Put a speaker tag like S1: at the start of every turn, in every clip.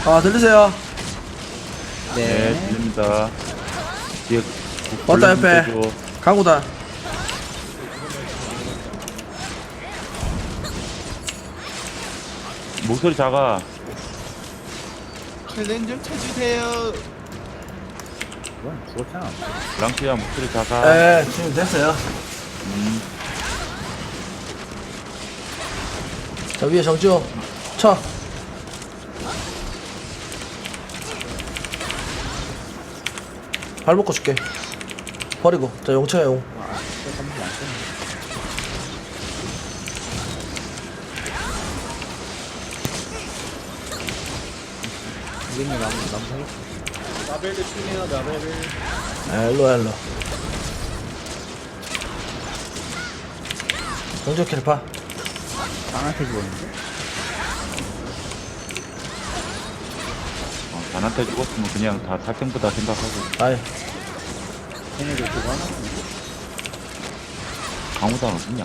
S1: 아 들리세요?
S2: 네,
S3: 네.
S2: 들립니다. 뒤에
S1: 왔다, 옆에.
S2: 줘.
S1: 강우다.
S2: 목소리 작아.
S3: 칼렌 좀 쳐주세요.
S4: 그건 죽었잖아.
S2: 랑키야 목소리 작아.
S1: 네 지금 됐어요. 자 위에 정지호 쳐. 발 묶어 줄게. 버리고 자 용쳐야 용.
S4: 이게 나무 사기.
S3: 라벨을 치네요, 라벨을.
S1: 일로야 일로. 정지호 캐리파.
S4: 땅한테 죽었는데?
S2: 단한테 죽었으면 그냥 다 살생부다 생각하고.
S1: 아이
S4: 걔네들 그거 하나?
S2: 강호단 어딨냐?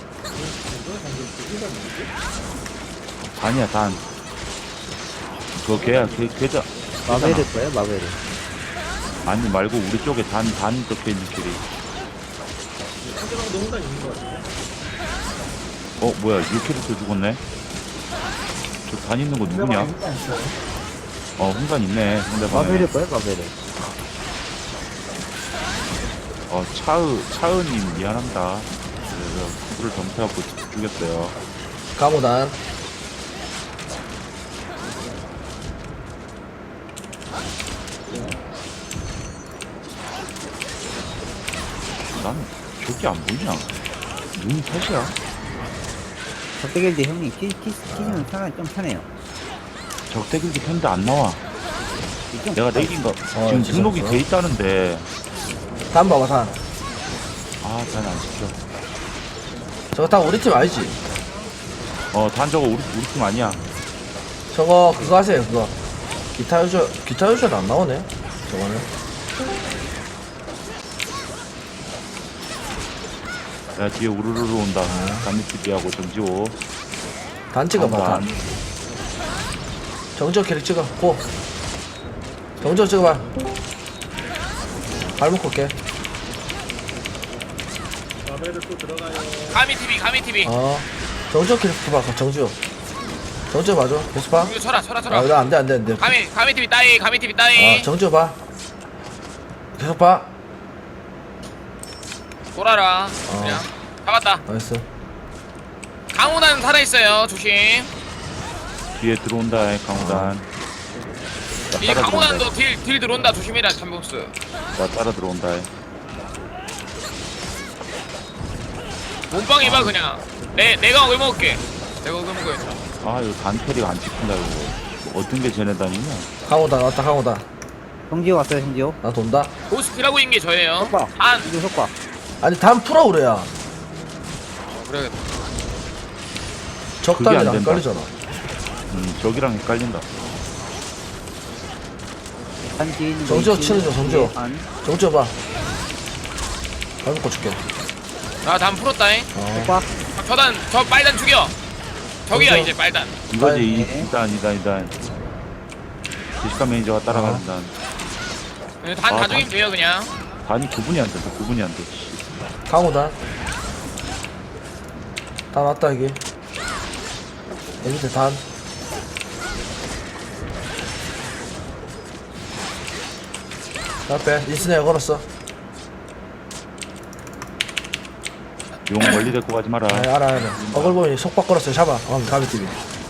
S2: 단이야 단. 그거 걔야 걔자.
S4: 마베를 거예요, 마베를.
S2: 아니 말고 우리 쪽에 단 적혀있는 길이.
S3: 상대방도 혼란 있는 것 같아요.
S2: 뭐야 6캐릭터 죽었네? 저 단 있는 거 누구냐? 훈간 있네 상대방에.
S4: 마베를 거예요, 마베를.
S2: 차은님 미안합니다. 그래서 불을 점수하고 죽였어요.
S1: 강우단.
S2: 난 저기 안 보이냐? 눈이 탓이야?
S4: 적대길드 형님 키시면 상황이 좀 편해요.
S2: 적대길도 켰는데 안 나와.
S4: 좀
S2: 내가 내긴 거 지금
S1: 진짜
S2: 등록이
S1: 없어요?
S2: 돼 있다는데.
S1: 단 봐봐 단.
S2: 단 안 시켜.
S1: 저거 다 우리 팀 아니지?
S2: 단 저거 우리 팀 아니야.
S1: 저거 그거 하세요 그거. 기타 유저도 안 나오네. 저거는.
S2: 야 뒤에 우르르르 온다. 단미TV하고 정지호.
S1: 단 찍어봐
S2: 단.
S1: 단. 정지호 캐릭 찍어. 고. 정지호 찍어봐. 발 묶어 올게.
S3: 라벨을 또 들어가요.
S5: 가미TV
S1: 정지호 캐릭터 봐. 정지호. 정지호 봐줘. 계속 봐.
S5: 이거 쳐라
S1: 아, 이거 안 돼, 안 돼, 안 돼.
S5: 가미TV 따이
S1: 정지호 봐. 계속 봐.
S5: 돌아라 그냥 잡았다.
S1: 나이스.
S5: 강호단 살아있어요 조심.
S2: 뒤에 들어온다 강호단.
S5: 이
S2: 따라
S5: 강호단도 딜 들어온다 조심해라 잠복스.
S2: 나 따라 들어온다.
S5: 몸빵 해봐 그냥. 내가 얼 먹을게. 내가 얼 먹어야지.
S2: 이거 단 캐리가 안 찍힌다 이거. 뭐 어떤 게 쟤네 단이냐?
S1: 강호다, 왔다, 강호다.
S4: 성지호 왔어요, 성지호.
S1: 나 돈다.
S5: 보스피라고 있는 게 저예요.
S4: 속박.
S5: 안
S4: 이거 속박.
S1: 아니, 단 풀어, 그래야.
S5: 그래야겠다.
S1: 적당히
S2: 안
S1: 안
S2: 된다.
S1: 걸리잖아.
S2: 저기랑 헷갈린다.
S4: 한 뒤에 있는 거
S1: 정지호
S4: 있지?
S1: 치는 중, 정지호.
S4: 뒤에 안.
S1: 정지호 봐. 발 묶어 줄게.
S5: 나단 풀었다잉.
S4: 속박.
S5: 저 빨단 죽여. 저기야
S1: 정지호.
S5: 이제 빨단.
S2: 이거지
S4: 네.
S2: 이단. 제시카 매니저가 따라가는 단.
S5: 단
S2: 아,
S5: 다 죽이면 돼요 그냥.
S2: 단이 구분이 안 돼. 구분이 안 돼.
S1: 강호다. 단 왔다, 여기. 여기 밑에 단. 앞에 인스네어 걸었어.
S2: 용 멀리 데리고 가지 마라.
S1: 알아. 어글 보니 속박 걸었어요. 잡아. 가비TV.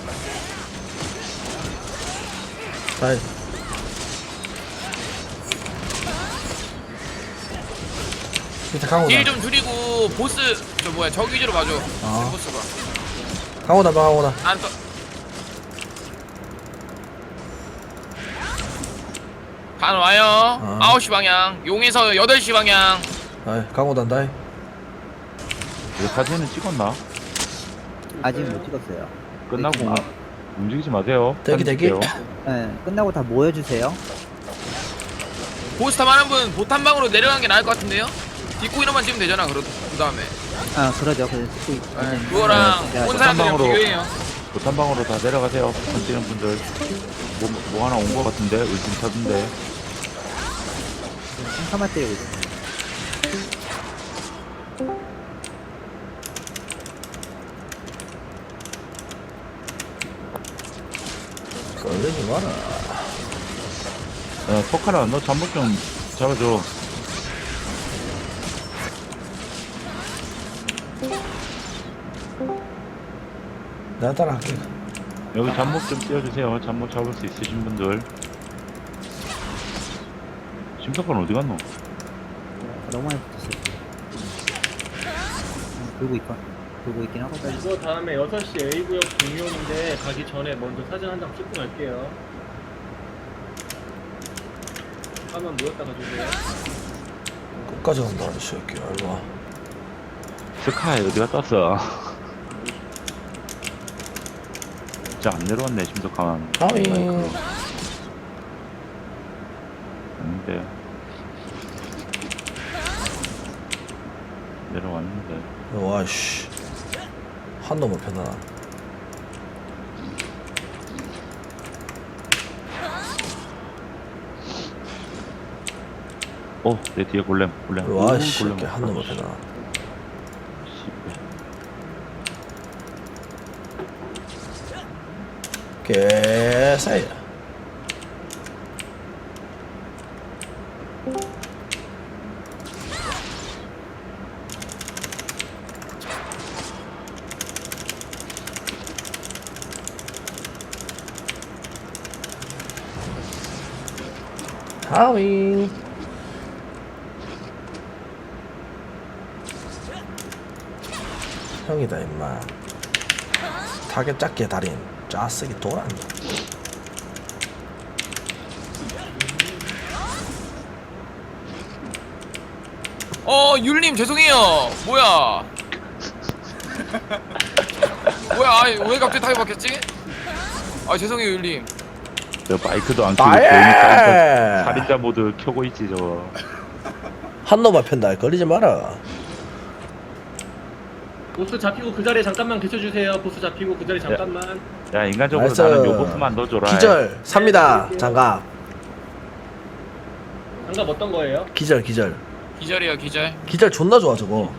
S1: 다이. 밑에 강호다.
S5: 딜 좀 줄이고 보스 저 뭐야 저 위주로 봐줘. 보스가.
S1: 강호다, 강호다.
S5: 안 떠. 반 와요. 9시 방향. 용에서 8시 방향.
S1: 다이. 강호다, 다이.
S2: 이거 사진은 찍었나?
S4: 아직 못 찍었어요.
S2: 끝나고 움직이지 마세요.
S1: 대기,
S2: 사진
S1: 대기.
S2: 찍게요.
S4: 네, 끝나고 다 모여주세요.
S5: 보스탑 하는 분 보탄 방으로 내려가는 게 나을 것 같은데요? 뒷구이로만 찍으면 되잖아. 그 다음에.
S4: 그러죠. 그래서 찍고 있-
S5: 그거랑
S4: 네,
S5: 온 사람들이랑
S2: 보탄방으로.
S5: 비교해요.
S2: 보탄방으로 다 내려가세요. 보탄 뛰는 분들. 뭐 하나 온 거 같은데? 의심타던데.
S4: 한카만 때리고 있어.
S1: 걸리지 마라.
S2: 포카라, 너 잠복 좀 잡아줘.
S1: 내가 따라할게.
S2: 여기 잠복 좀 띄워주세요. 잠복 잡을 수 있으신 분들. 심석관 어디 갔노?
S4: 너무 많이 붙었어. 돌고 있고. 돌고 있긴 하거든.
S3: 이거 다음에 6시 A구역 공룡인데 가기 전에 먼저 사진 한 장 찍고 갈게요. 화면 모였다가 주세요.
S1: 끝까지 간다, 이 새끼야. 일로 와.
S2: 스카이 어디 갔다 왔어? 진짜 안 내려왔네, 심석관.
S1: 하윙.
S2: 아닌데. 내려왔는데.
S1: 와, 씨. 한 놈을 펴나.
S2: 내 뒤에 골렘.
S1: 와,
S2: 오,
S1: 씨.
S2: 골렘
S1: 한 놈을 펴나. 개사이. 하윙. 형이다 임마. 타겟 작게 달인 짜쓰기 돌았네.
S5: 율님 죄송해요. 뭐야? 뭐야? 아이, 왜 갑자기 타이 바뀌었지? 아 죄송해요 율님.
S2: 저 마이크도 안 켜고
S1: 나예!
S2: 괜히 살인자 모드 켜고 있지 저거.
S1: 한 놈만 편다. 걸리지 마라.
S3: 보스 잡히고 그 자리에 잠깐만 계셔주세요. 보스 잡히고 그 자리에 잠깐만.
S2: 야 인간적으로
S1: 나이스.
S2: 나는 요보스만 넣어줘라.
S1: 기절 삽니다. 장갑.
S3: 장갑 어떤 거예요?
S1: 기절.
S5: 기절이야 기절.
S1: 기절 존나 좋아 저거.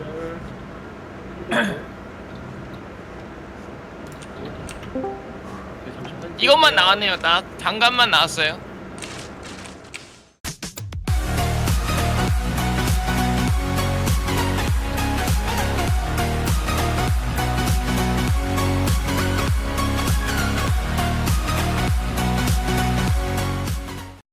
S5: 이것만 나왔네요. 딱 장갑만 나왔어요.